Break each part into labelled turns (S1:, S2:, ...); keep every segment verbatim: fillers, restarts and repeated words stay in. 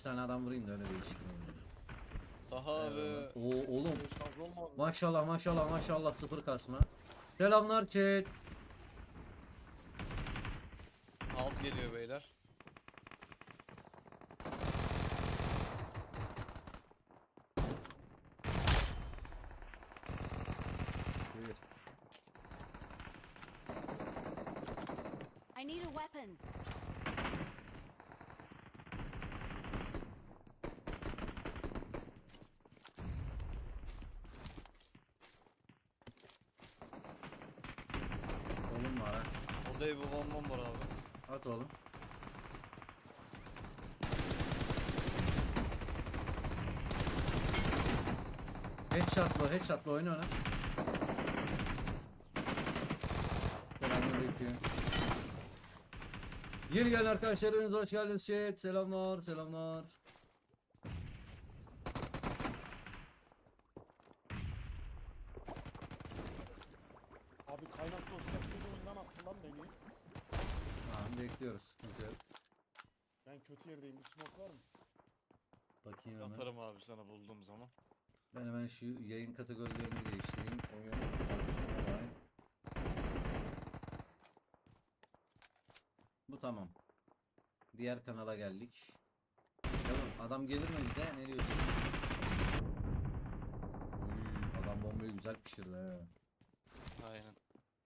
S1: tane adam vurayım da öyle değiştireyim.
S2: Daha abi.
S1: Oo oğlum.
S3: Şarj olmadı.
S1: Maşallah maşallah maşallah sıfır kasma. Selamlar chat.
S2: Alt geliyor beyler.
S1: Buyur.
S4: I need a weapon.
S1: Oğlum var ha.
S2: Odaya bir bombam var abi.
S1: At oğlum. Headshot'la headshot'la oyna ona. Selamünaleyküm. Yeni gelen arkadaşlarınız hoş geldiniz chat. Selamlar selamlar.
S3: Abi kaynak dosyasıyla oyundan attı lan beni.
S1: Tamam bekliyoruz sıkıntı yok.
S3: Ben kötü yerdeyim. Bir smoke var mı?
S1: Bakayım hemen.
S2: Atarım abi sana bulduğum zaman.
S1: Ben hemen şu yayın kategorilerini değiştireyim. Oyun tartışma. Bu tamam. Diğer kanala geldik. Tamam, adam gelir mi bize? Ne diyorsun? Uy, adam bombayı güzel pişirdi he.
S2: Aynen.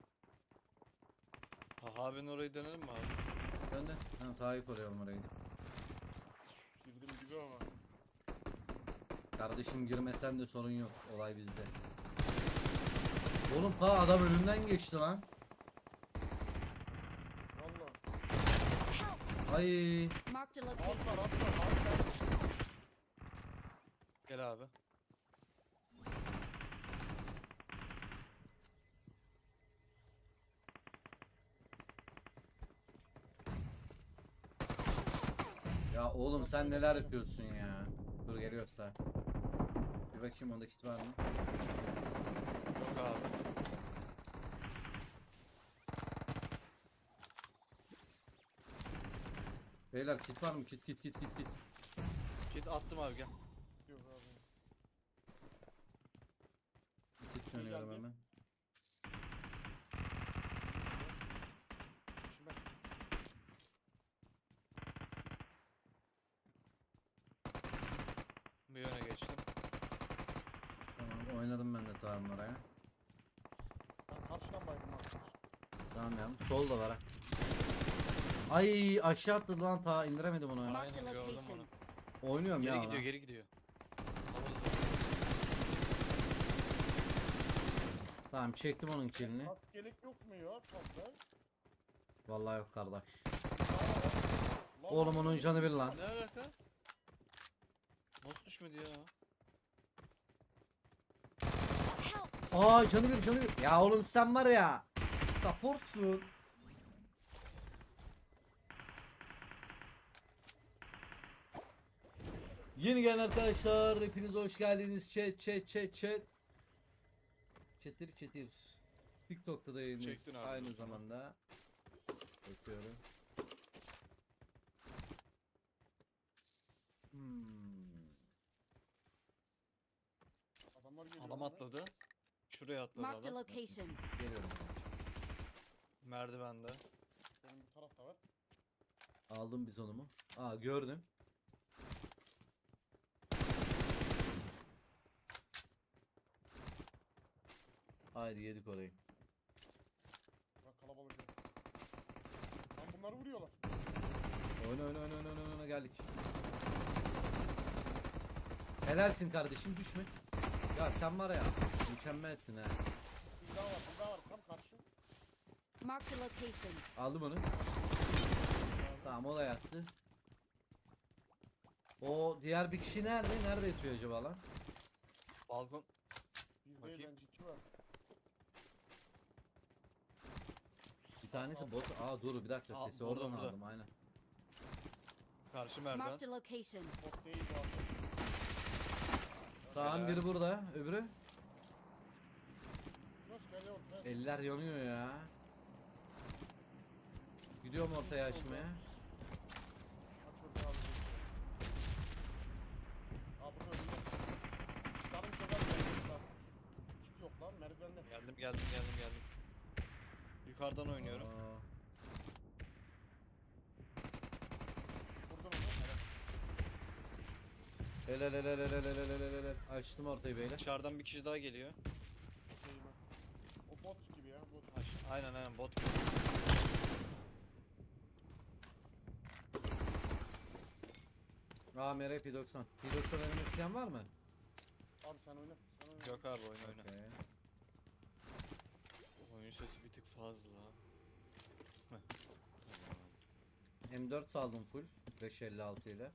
S2: Taha abinin orayı dönelim mi abi?
S1: Ben de. Ha, Taha'yı koruyalım orayı.
S3: Girdim gibi ama.
S1: Kardeşim girmesen de sorun yok. Olay bizde. Oğlum ta adam önünden geçti lan.
S3: Valla.
S1: Ay.
S4: Marked a location.
S3: Atlar atlar atlar.
S2: Gel abi.
S1: Ya oğlum sen neler yapıyorsun ya? Dur geliyorsa. Bir bakayım onda kit var mı?
S2: Yok abi.
S1: Beyler kit var mı? Kit kit kit kit kit.
S2: Kit attım abi gel.
S3: Yok abi.
S1: Kit dönüyorum
S3: geldi.
S1: hemen.
S3: Şimdi
S2: Bir yöne geçtim.
S1: Tamam oynadım ben de tamam oraya.
S3: ben karşıdan baydım arkadaş.
S1: Tamam ya. Sol da var ha. Ay aşağı atladı lan ta indiremedim onu.
S4: Marked a
S2: Aynen, gördüm
S4: location.
S2: onu.
S1: Oynuyorum
S2: Geri
S1: ya.
S2: gidiyor
S1: lan.
S2: geri gidiyor.
S1: Tamam çektim onun killini.
S3: Kask gerek yok mu ya fazla?
S1: Vallahi yok kardeş.
S3: Lan
S1: Oğlum onun canı bir lan.
S2: Ne alaka? Nasıl düşmedi ya?
S4: Help!
S1: Aa canı bir canı bir. Ya oğlum sen var ya. Supportsun. Yeni gelen arkadaşlar hepiniz hoş geldiniz. Chat chat chat chat. Çetir çetir. TikTok'ta da yayınlıyoruz
S2: Çektin abi.
S1: aynı zamanda. Bakıyorum. Hmm.
S3: Adamlar geliyor.
S2: Adam
S3: lan.
S2: atladı. Şuraya atladı
S4: Marked a
S2: adam.
S4: location.
S1: Geliyorum.
S2: Merdivende.
S3: Benim bu tarafta var.
S1: Aldım biz onu mu? Aa gördüm. Haydi yedik orayı.
S3: Bak kalabalık yok. Lan bunları vuruyorlar.
S1: Oyna oyna oyna oyna oyna, oyna geldik. Helalsin kardeşim düşme. Ya sen var ya mükemmelsin ha.
S3: Bir daha var bir daha var tam karşı.
S4: Marked a location.
S1: Aldım onu. Tamam o da yattı. O diğer bir kişi nerede? Nerede yatıyor acaba lan?
S2: Balkon.
S3: Bir değil
S2: Bakayım.
S3: bence iki var.
S1: Bir tanesi bot. Aa dur bir dakika
S2: Aa,
S1: sesi
S2: burada,
S1: oradan
S2: burada.
S1: aldım aynen.
S2: Karşı merdiven.
S4: Marked a location.
S3: Bot değil bu abi.
S1: Tamam
S2: Helal.
S1: biri burada öbürü.
S3: Yunus gel yok. gel.
S1: Eller yanıyor ya. Gidiyorum ortaya açmaya.
S3: Aç orada abi.
S2: Geldim geldim geldim. Yukarıdan oynuyorum.
S1: Aa,
S3: Vurdun onu.
S1: helal helal helal helal helal helal helal. Açtım ortayı beyler.
S2: Dışarıdan bir kişi daha geliyor.
S3: Şey bak. O bot gibi ya. Bot.
S2: Aş- Aynen aynen bot gibi.
S1: Aa M R P doksan. P doksan oynamak isteyen var mı?
S3: Abi sen oyna. Sen oyna.
S2: Yok abi oyna oyna.
S1: Okey.
S2: Oyun sesi bir tık fazla. Heh. Tamam.
S1: M dört saldım full. beş elli altı ile.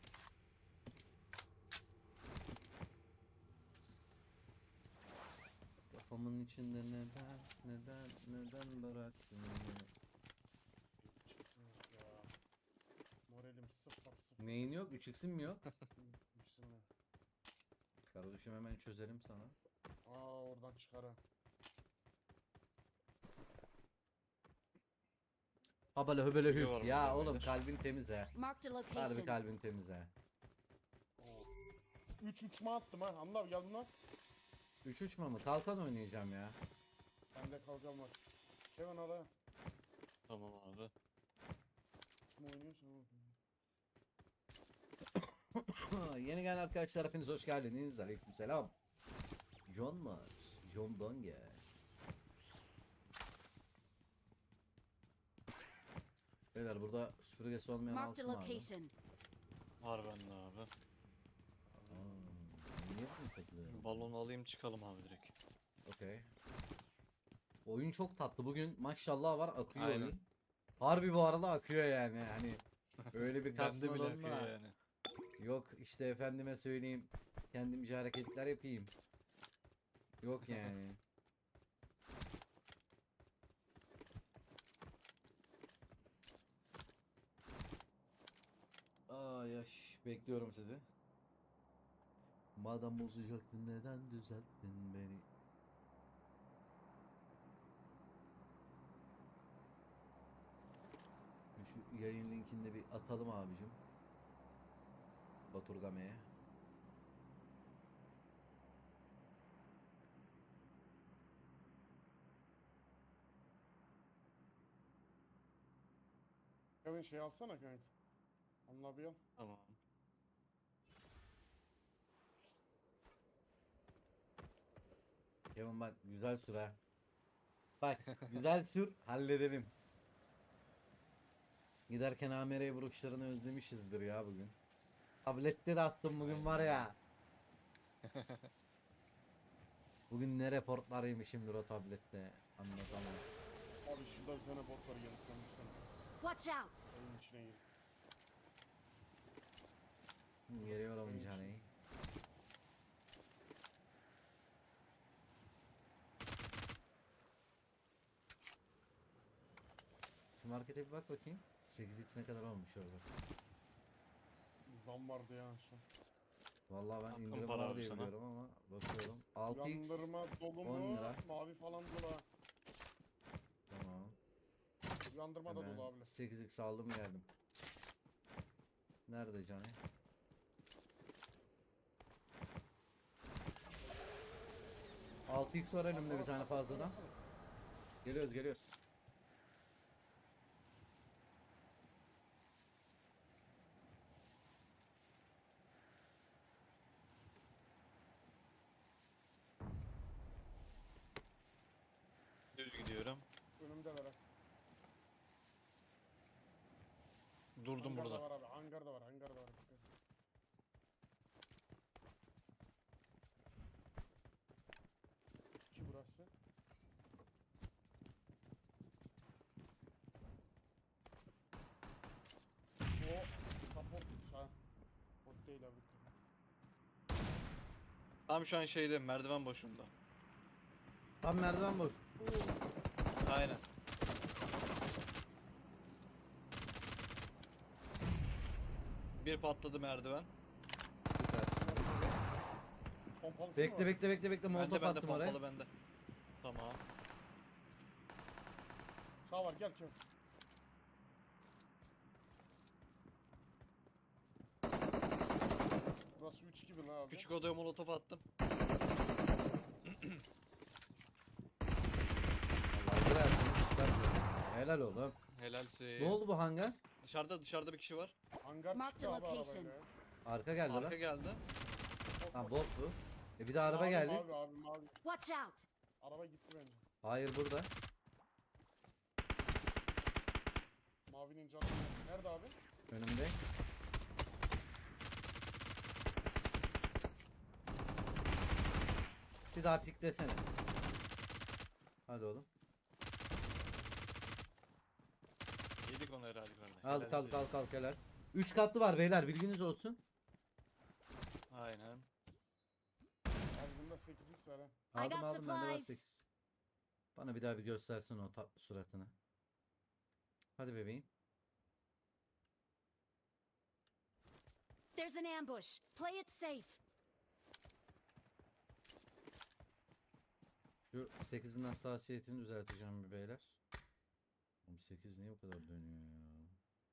S1: Kafamın içinde neden, neden, neden bıraktın beni?
S3: Çıksın ya. Moralim sıfır sıfır.
S1: Neyin yok? üç x'in mi yok?
S3: Çıksın ya.
S1: Kardeşim hemen çözelim sana.
S3: Aa oradan çıkar ha.
S1: Habale höbele
S2: Video
S1: hüp.
S2: var
S1: Ya
S2: burada
S1: oğlum
S2: beyler.
S1: kalbin temiz he.
S4: Marked a
S1: Harbi
S4: location.
S1: kalbin temiz he.
S3: üç uçma attım ha. Anla abi geldin lan.
S1: üç uçma mı? Kalkan oynayacağım ya.
S3: Bende kalkan var. Kevin ara.
S2: Tamam abi.
S3: Uçma oynuyorsun ama.
S1: Yeni gelen arkadaşlar hepiniz hoş geldiniz. Aleykümselam. Johnlar. John Donge. Beyler burada süpürgesi olmayan
S4: Marked a
S1: alsın abi.
S4: location.
S2: Var bende abi.
S1: Aa, niye bunu takılıyor?
S2: Balonu alayım çıkalım abi direkt.
S1: Okey. Oyun çok tatlı. Bugün maşallah var akıyor
S2: Aynen.
S1: oyun. Harbi bu arada akıyor yani. Hani öyle bir
S2: Bende bile
S1: kasmadan
S2: akıyor
S1: da.
S2: yani.
S1: Yok işte efendime söyleyeyim. Kendimce hareketler yapayım. Yok yani. Ay yaş. Bekliyorum sizi. Madem bozacaktın neden düzelttin beni? Şu yayın linkini de bir atalım abicim. Baturgame'ye.
S3: Kevin şey alsana kanka. Anla bir al.
S2: Tamam.
S1: Kevin bak güzel sür ha. Bak güzel sür halledelim. Giderken A M R vuruşlarını özlemişizdir ya bugün. Tablette de attım bugün var ya. Bugün ne reportlar yemişimdir o tablette. Anlatamam.
S3: Abi şurada bir tane bot var gelip döndürsene.
S4: Watch out.
S3: Oyun içine gir.
S1: Geliyorum
S3: Benim
S1: caney.
S3: için.
S1: Şu markete bir bak bakayım. sekiz x ne kadar olmuş orada.
S3: Zam vardı ya şu.
S1: Vallahi ben
S2: Hakkın
S1: indirim
S2: para
S1: var
S2: abi
S1: diye
S2: sana.
S1: biliyorum ama bakıyorum. altı x
S3: Uyandırma dolu
S1: on
S3: mu?
S1: lira.
S3: Mavi falan dolu ha.
S1: Tamam.
S3: Uyandırma da
S1: Hemen
S3: dolu abi.
S1: sekiz x aldım geldim. Nerede caney? altı x var elimde bir tane fazladan. Geliyoruz geliyoruz.
S2: Düz gidiyorum.
S3: Önümde var ha.
S2: Durdum
S3: Hangar da
S2: burada.
S3: var abi. Hangar da var. Hangar da var. Dikkat. İki burası. O support ha. Bot değil abi.
S2: Tam şu an şeyde merdiven boşluğunda.
S1: Tam merdiven boş.
S2: Aynen. Bir patladı merdiven.
S1: Süper.
S3: Pompalısı mı
S1: Bekle
S3: var?
S1: bekle bekle bekle
S2: Bende
S1: molotof
S2: bende
S1: attım oraya.
S2: pompalı bende. Tamam.
S3: Sağ var gel Kev. Burası üç gibi lan abi.
S2: Küçük odaya molotof attım.
S1: Helal oğlum.
S2: Helalsin.
S1: Ne oldu bu hangar?
S2: Dışarıda dışarıda bir kişi var.
S3: Hangar
S4: Mark
S3: çıktı
S4: the
S3: abi
S4: location.
S3: arabayla. ya.
S1: Arka geldi
S2: Arka
S1: lan.
S2: geldi.
S3: Bot,
S1: Ha
S3: bot.
S1: bot bu. E bir de araba
S3: Mavi,
S1: geldi.
S3: Mavi abi mavi.
S4: Watch out!
S3: Araba gitti bence.
S1: Hayır burada.
S3: Mavinin canı. Nerede abi?
S1: Önümde. Bir daha piklesene. Hadi oğlum.
S2: Yedik onu herhalde kardeş.
S1: Al
S2: Helalsin.
S1: kalk kalk kalk helal. üç katlı var beyler bilginiz olsun.
S2: Aynen.
S3: Abi bunda sekiz x var ha.
S4: I
S1: Aldım
S4: got
S1: aldım bende var
S4: supplies.
S1: sekiz. Bana bir daha bir göstersin o tatlı suratını. Hadi bebeğim.
S4: There's an ambush. Play it safe.
S1: Şu sekizin hassasiyetini düzelteceğim bir beyler. Oğlum sekiz niye bu kadar dönüyor ya?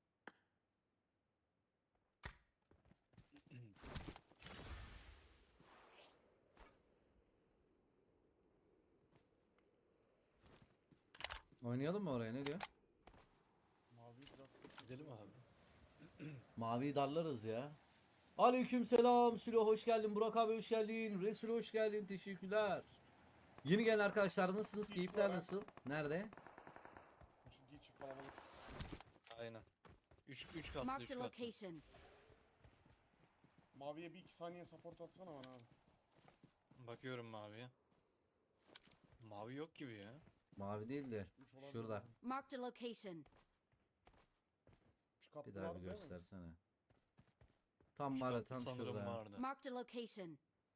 S1: Oynayalım mı oraya ne diyor?
S3: Mavi biraz.
S2: Gidelim abi.
S1: Maviyi darlarız ya. Aleyküm selam Sülo hoş geldin. Burak abi hoş geldin. Resul hoş geldin. Teşekkürler. Yeni gelen arkadaşlar nasılsınız?
S3: Hiç
S1: Keyifler
S3: var.
S1: nasıl? Nerede?
S3: Üçüncü içi kalabalık.
S2: Aynen. üç üç katlı üç
S4: Marked a
S2: katlı.
S4: location.
S3: Maviye bir iki saniye support atsana bana abi.
S2: Bakıyorum maviye. Mavi yok gibi ya.
S1: Mavi değil de
S3: Çıkmış olabilir
S1: şurada.
S3: abi.
S4: Marked a location.
S3: Üç katlı
S1: Bir daha
S3: var
S1: bir
S3: değil mi?
S1: göstersene. Tam
S2: Üç
S1: var ya,
S2: katlı
S1: tam
S2: sanırım
S1: şurada.
S2: vardı.
S4: Marked a location.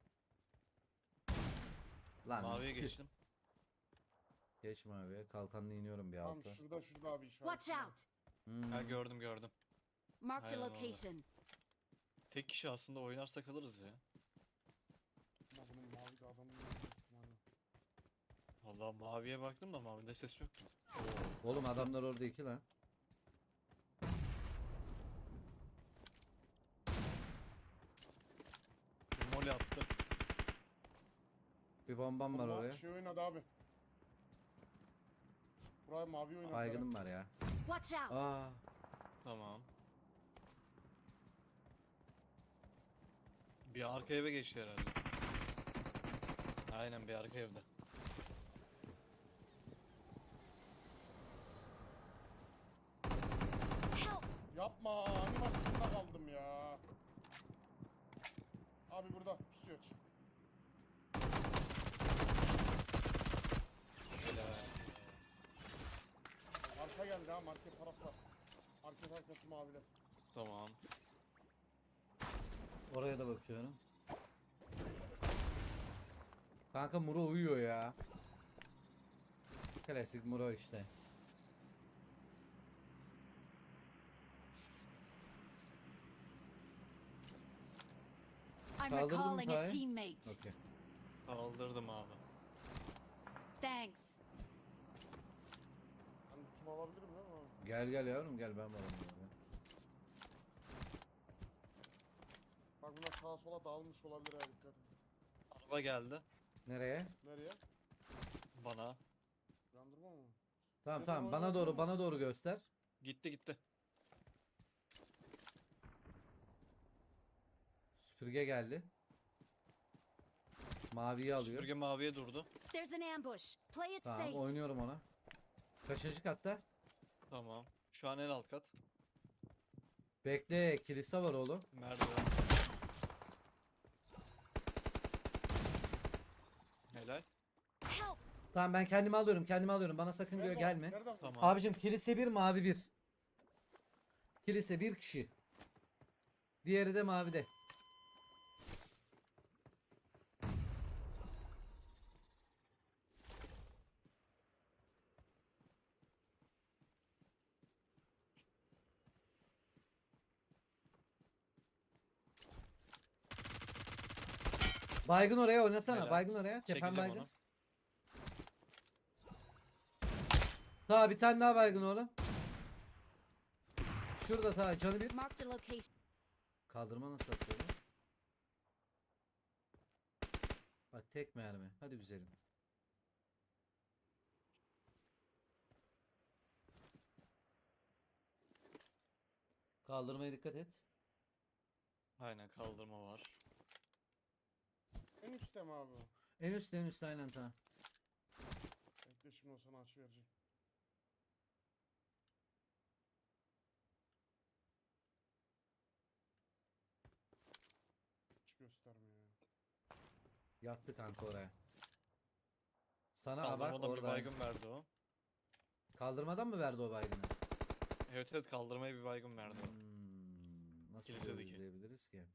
S1: Lan
S2: Maviye
S1: tüh.
S2: geçtim.
S1: Geç maviye. Kalkanla iniyorum bir
S3: Tamam
S1: alta.
S3: şurada şurada abi işaret.
S4: Watch out!
S1: Hmm.
S2: Ha gördüm gördüm.
S4: Marked a
S2: Aynen orada.
S4: location.
S2: Tek kişi aslında oynarsak alırız ya.
S3: Ama bunun mavi de adamın büyük ihtimalle.
S2: Vallahi maviye baktım da mavide ses yoktu.
S1: Oğlum adamlar orada iki lan.
S2: Mole attı.
S1: Bir bombam var
S3: Bunlar
S1: oraya.
S3: şey oynadı abi. Buraya mavi oynadı.
S1: Baygınım var ya.
S4: Watch out!
S1: Aa.
S2: Tamam. Bir arka eve geçti herhalde. Aynen bir arka evde.
S4: Help!
S3: Yapma animasyonda kaldım ya. Abi burada pusuyor.
S2: Helal.
S3: Arka geldi ha market taraflar. Market arkası maviler.
S2: Tamam.
S1: Oraya da bakıyorum. Kanka Muro uyuyor ya. Klasik Muro işte.
S4: I'm
S1: Kaldırdın mı
S4: recalling a
S1: Tay?
S4: teammate.
S1: Okey.
S2: Kaldırdım abi.
S4: Thanks.
S3: Ben tutum alabilirim değil mi abi?
S1: Gel gel yavrum gel ben varım. ya.
S3: Bak bunlar sağa sola dağılmış olabilir ha dikkat et.
S2: Araba geldi.
S1: Nereye?
S3: Nereye?
S2: Bana.
S3: Yandırma mı?
S1: Tamam
S3: Neden
S1: tamam bana
S3: oynadın
S1: doğru
S3: mı?
S1: bana doğru göster.
S2: Gitti gitti.
S1: Süpürge geldi. Maviyi alıyor.
S2: Süpürge maviye durdu.
S4: There's an ambush. Play it
S1: Tamam
S4: safe.
S1: oynuyorum ona. Kaçıncı katta?
S2: Tamam. Şu an en alt kat.
S1: Bekle kilise var oğlum.
S2: Merdiven. Helal.
S4: Help!
S1: Tamam ben kendimi alıyorum kendimi alıyorum bana sakın gö-
S3: Nerede o?
S1: gelme.
S3: Nerede o?
S2: Tamam.
S1: Abicim kilise bir mavi bir. Kilise bir kişi. Diğeri de mavide. Baygın oraya oynasana.
S2: Helal.
S1: Baygın oraya. Tepen
S2: Çekeceğim
S1: baygın.
S2: onu.
S1: Ta bir tane daha baygın oğlum. Şurada ta canı bir.
S4: Marked a location.
S1: Kaldırma nasıl atıyor lan? Bak tek mermi. Hadi güzelim. Kaldırmaya dikkat et.
S2: Aynen kaldırma var.
S3: En üstte mi abi?
S1: En üst en üst aynen ta.
S3: Bekle şimdi o sana açı vereceğim. Hiç göstermiyor ya.
S1: Yattı kanka oraya. Sana aa, bak
S2: Kaldırmadan bir
S1: orada.
S2: baygın verdi o.
S1: Kaldırmadan mı verdi o baygını?
S2: Evet evet kaldırmaya bir baygın verdi o.
S1: Hmm, nasıl
S2: Kilisedeki.
S1: izleyebiliriz ki?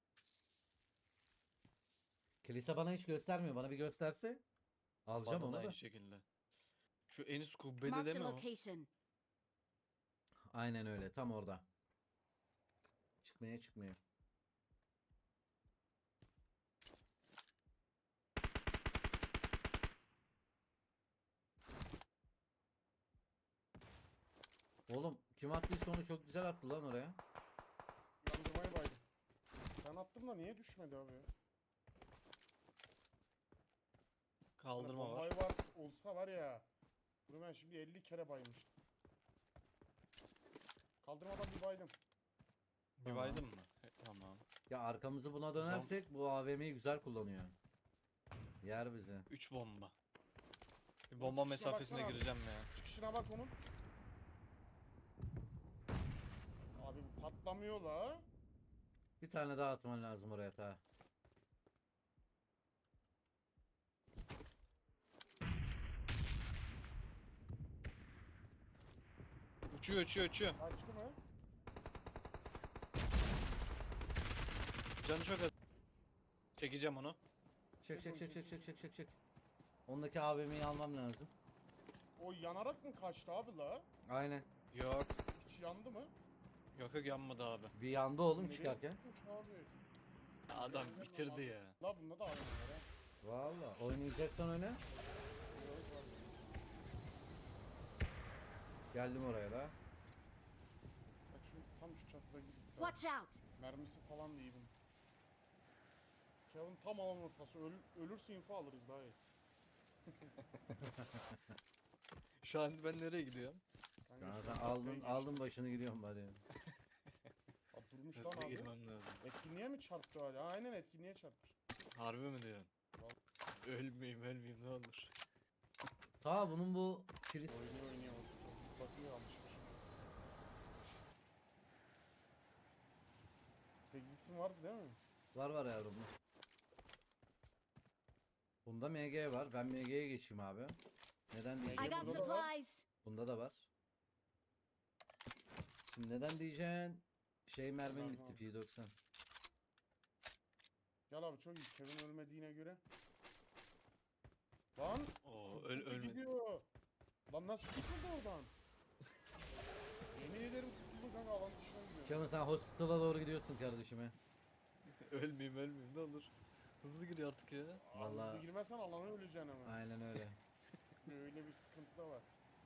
S1: Kilise bana hiç göstermiyor. Bana bir gösterse alacağım
S2: Bana da
S1: onu da.
S2: aynı şekilde. Şu en üst kubbede
S4: Marked
S2: değil
S4: a
S2: mi o?
S4: location.
S1: Aynen öyle. Tam orada. Çıkmaya çıkmıyor. Oğlum kim attıysa onu çok güzel attı lan oraya.
S3: Yandırmayı baydım. Ben attım da niye düşmedi abi ya? Hani
S2: Kaldırma var.
S3: bombayı var olsa var ya. Bunu ben şimdi elli kere baymıştım. Kaldırmadan bir baydım.
S2: Bir
S1: Tamam.
S2: baydın mı? E, tamam.
S1: Ya arkamızı buna dönersek bu A V M'yi güzel kullanıyor. Yer bizi.
S2: üç bomba. Bir
S3: Bunun
S2: bomba
S3: çıkışına
S2: mesafesine
S3: baksana abi.
S2: gireceğim ya.
S3: Çıkışına bak onun. Abi bu patlamıyor la.
S1: Bir tane daha atman lazım oraya ta.
S2: Uçuyor uçuyor uçuyor.
S3: Kaçtı mı?
S2: Canı çok az. Çekeceğim onu.
S1: Çek çek çek çek çek çek çek çek. Ondaki A V M'yi almam lazım.
S3: O yanarak mı kaçtı abi la?
S1: Aynen.
S2: Yok.
S3: Hiç yandı mı?
S2: Yok yok yanmadı abi.
S1: Bir yanda oğlum
S3: Nereye
S1: çıkarken.
S3: gitmiş abi?
S2: Adam bitirdi ya.
S3: La bunda da aynı var ha.
S1: Valla oynayacaksan oyna.
S3: Yok, var.
S1: Geldim oraya da.
S3: Bak şu tam şu çatıda gitti.
S4: Watch out.
S3: Mermisi falan da iyi bunun. Kevin tam alan ortası. Öl, ölürse info alırız daha iyi.
S2: Şu an ben nereye gidiyorum?
S3: Kanka
S1: Ya
S3: şu
S1: sen
S3: an
S1: aldın
S3: kafayı
S1: aldın
S3: geçti.
S1: başını gidiyorum hadi.
S3: Abi durmuş lan
S2: Hızlı
S3: abi.
S2: girmem lazım.
S3: Etkinliğe mi çarptı hala? Aynen etkinliğe çarpmış.
S2: Harbi mi diyorsun? Ölmeyeyim ölmeyeyim ne olur.
S1: Ta bunun bu kilit
S3: Oynuyor oynuyor. Çok bakıyor alışmış. sekiz x'in vardı değil mi?
S1: var var yavrum. Bunda M G var. Ben M G'ye geçeyim abi. Neden
S4: I
S1: diyeceğim?
S4: got
S3: Burada da var.
S4: supplies.
S1: Bunda da var. Şimdi neden diyeceksin? Şey mermin
S3: Tamam,
S1: bitti
S3: tamam.
S1: P doksan.
S3: Gel abi çok iyi. Kevin ölmediğine göre. Lan!
S2: Oo
S3: Öl,
S2: öl ölmedi.
S3: Gidiyor. Lan nasıl kurtuldu oradan? Yemin ederim kurtuldu kanka alan dışına gidiyor.
S1: Kemal sen hospital'a doğru gidiyorsun kardeşime.
S2: Ölmeyeyim ölmeyeyim ne olur. Hızlı gir artık ya.
S1: Vallahi-
S3: Vallahi. Girmezsen alana öleceksin hemen.
S1: Aynen öyle.
S3: Öyle bir sıkıntı da var.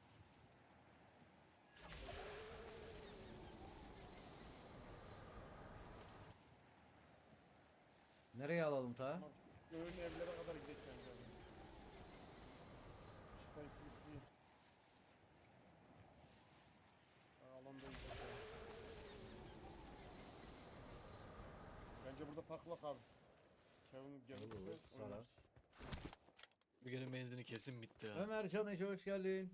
S1: Nereye alalım ta?
S3: Tamam. Göğün evlere kadar gidelim bence. Kişi sayısı üç değil. Ha, alandayız zaten. Bence burada paklak abi. Kevin gelirse
S1: Olur, sarar.
S3: oynarız.
S2: Bu gene benzini kesin bitti ya.
S1: Ömer Can Ece hoş geldin.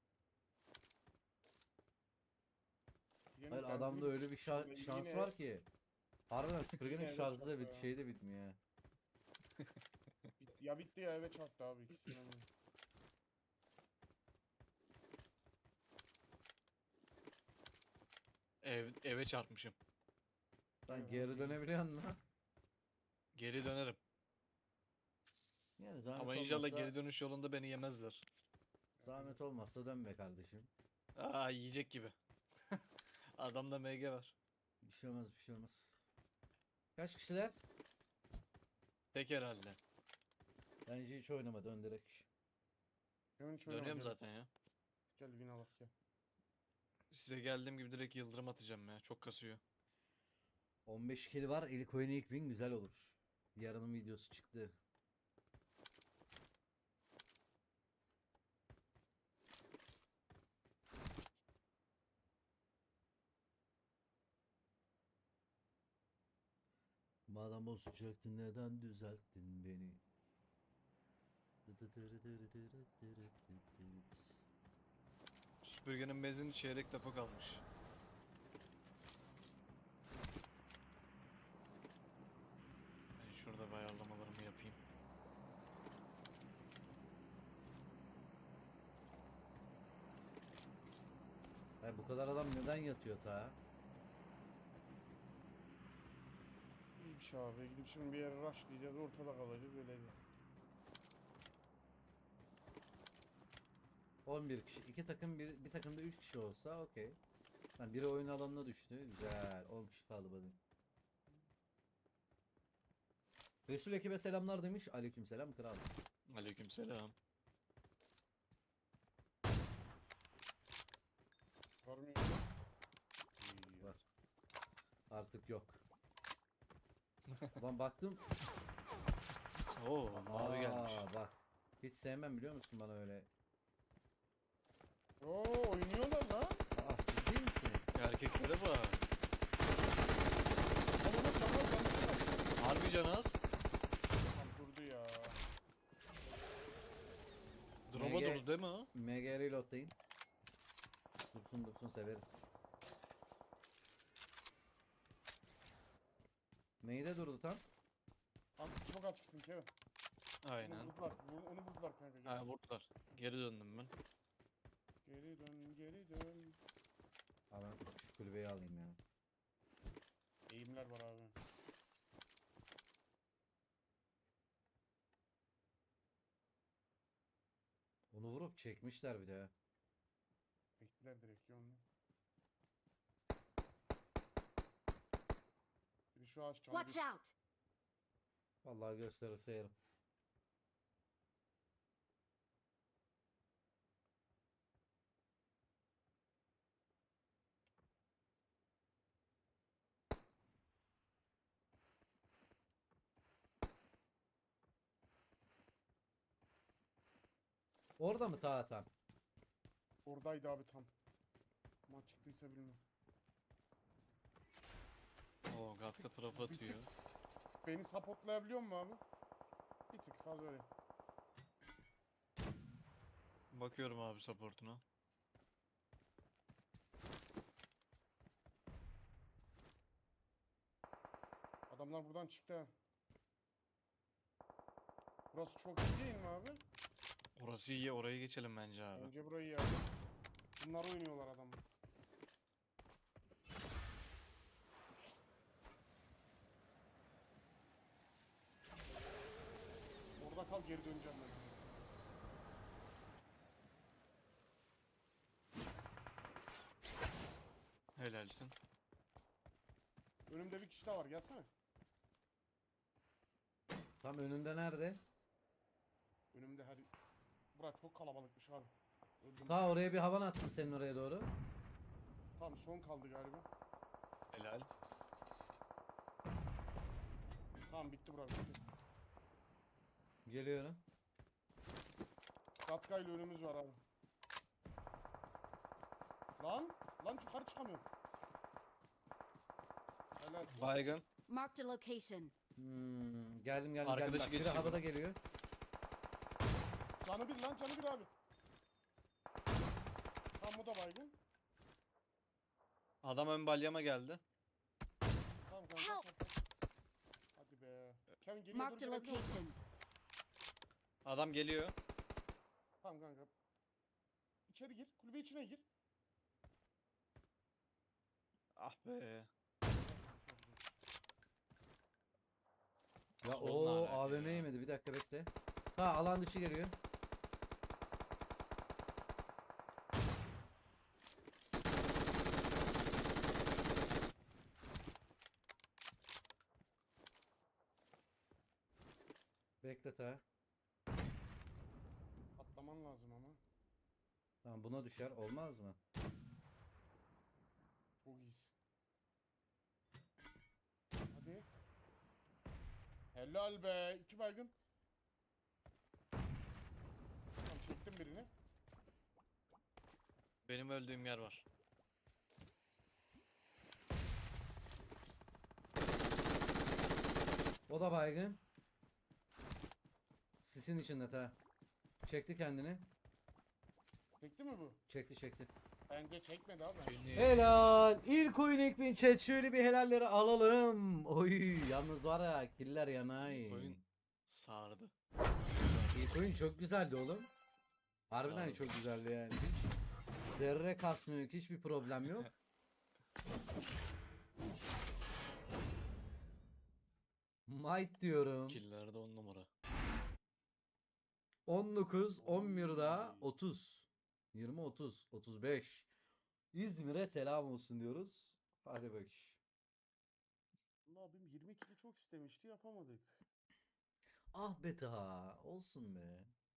S3: Yeni
S1: Hayır
S3: benzin
S1: adamda öyle bir
S3: bitmişti.
S1: şa-
S3: Yine-
S1: şans var ki. Harbiden süpürgenin
S3: Yine eve
S1: şarjı da
S3: çarptı
S1: bit
S3: ya.
S1: şey de bitmiyor ya.
S3: Bit- ya bitti ya eve çarptı abi ikisinden biri.
S2: Ev, eve çarpmışım.
S1: Lan
S3: Evet,
S1: geri
S3: abi.
S1: dönebiliyor musun?
S2: Geri dönerim.
S1: Yani zahmet
S2: Ama inşallah
S1: olmazsa,
S2: geri dönüş yolunda beni yemezler.
S1: zahmet olmazsa dön be kardeşim.
S2: Aa yiyecek gibi. Adamda M G var.
S1: Bir şey olmaz bir şey olmaz. Kaç kişiler?
S2: Tek herhalde.
S1: Bence hiç oynama dön direkt.
S3: Kevin hiç oynama,
S2: Dönüyorum
S3: gel.
S2: zaten ya.
S3: Gel win alak gel.
S2: Size geldiğim gibi direkt yıldırım atacağım ya. Çok kasıyor.
S1: on beş kill var. İlk oyunu ilk win güzel olur. Yarının videosu çıktı. Madem bozacaktın neden düzelttin beni?
S2: Süpürgenin benzini çeyrek depo kalmış. Ben şurada bir ayarlamalarımı yapayım.
S1: Hayır, bu kadar adam neden yatıyor ta?
S3: İyi bir şey abi. Gidip şimdi bir yere rushlayacağız. Ortada kalacağız. Öyle bir.
S1: on bir kişi. iki takım bir, bir takımda üç kişi olsa okey. Yani biri oyun alanına düştü. Güzel. on kişi kaldı hadi. Resul ekibe selamlar demiş. Aleykümselam kral.
S2: Aleykümselam.
S3: Var mı? İyi.
S1: Var. Artık yok. Ulan baktım.
S2: Oo, mavi gelmiş.
S1: Aa, bak. Hiç sevmem biliyor musun bana öyle.
S3: Oo oynuyorlar lan.
S1: Aa, ciddi misin?
S2: Erkeklere bak.
S3: Ama tamam tamam.
S2: Harbi canaz.
S3: Tam durdu ya.
S2: Drop'a
S1: M G
S2: dolu değil mi o?
S1: M G reload'dayım. Dursun dursun severiz. Neyde durdu tam?
S3: Tam çok açıksın Kevin.
S2: Aynen.
S3: Onu vurdular. Onu, onu vurdular kanka. Gel.
S2: Ha vurdular. Geri döndüm ben.
S3: Geri dön geri dön.
S1: Abi ben şu kulübeyi alayım ya.
S3: Eğimler var abi.
S1: Onu vurup çekmişler bir de ya.
S3: Bektiler direkt yolunu. Biri şu ağaç çaldı.
S4: Watch out!
S1: Vallahi gösterirse yerim. Orada mı ta tam?
S3: Oradaydı abi tam. Ama çıktıysa bilmem.
S2: Oo Gatka tarafı
S3: Bir
S2: atıyor.
S3: Beni supportlayabiliyor mu abi? Bir tık fazla öyle.
S2: Bakıyorum abi supportuna.
S3: Adamlar buradan çıktı ha. Burası çok iyi değil mi abi?
S2: Orası iyi, oraya geçelim bence abi.
S3: Bence burayı ya. Bunlar oynuyorlar adamlar. Orada kal, geri döneceğim ben.
S2: Helalsin.
S3: Önümde bir kişi daha var, gelsene.
S1: Tam önünde nerede?
S3: Önümde her... Bura çok kalabalıkmış abi. Öldüm.
S1: Ta oraya bir havan attım senin oraya doğru.
S3: Tamam, son kaldı galiba.
S2: Helal.
S3: Tamam, bitti bura, bitti.
S1: Geliyorum.
S3: Gatka ile önümüz var abi. Lan! Lan yukarı çıkamıyorum. Helalsin.
S2: Baygın.
S4: Marked a location.
S1: Hmm, geldim geldim
S2: Arkadaşı
S1: geldim. Bak, biri
S2: geçiyor.
S1: havada geliyor.
S3: Canı bir lan, canı bir abi. Tam bu da baygın.
S2: Adam ön balyama geldi.
S3: Tamam kanka,
S4: Help!
S3: saklan. Hadi be. Kevin geriye doğru
S4: Marked a
S3: gelebiliyor musun?
S4: location.
S2: Adam geliyor.
S3: Tamam kanka. İçeri gir, kulübe içine gir.
S2: Ah be.
S1: Ya
S2: Soluna
S1: o
S2: alaka
S1: A V M
S2: ya.
S1: yemedi. Bir dakika bekle. Ha alan dışı geliyor. Bekle ta.
S3: Atlaman lazım ama.
S1: Tamam buna düşer. Olmaz mı?
S3: Çok iyisin. Hadi. Helal be. İki baygın. Tamam, çektim birini.
S2: Benim öldüğüm yer var.
S1: O da baygın. Sisin içinde ta. Çekti kendini.
S3: Çekti mi bu?
S1: Çekti çekti.
S3: Bence çekmedi abi.
S2: Beni
S1: Helal. İlk oyun ilk bin chat. Şöyle bir helalleri alalım. Oy yalnız var ya killer yanay.
S2: oyun sardı.
S1: İlk oyun çok güzeldi oğlum. Harbiden
S2: Abi.
S1: çok güzeldi yani. Hiç zerre kasmıyor. Hiçbir problem yok. Might diyorum.
S2: Killerde on numara.
S1: on dokuz, on birde otuz. yirmi, otuz, otuz beş. İzmir'e selam olsun diyoruz. Hadi bak.
S3: Allah abim yirmi kili çok istemişti yapamadık.
S1: Ah be ta. Olsun be.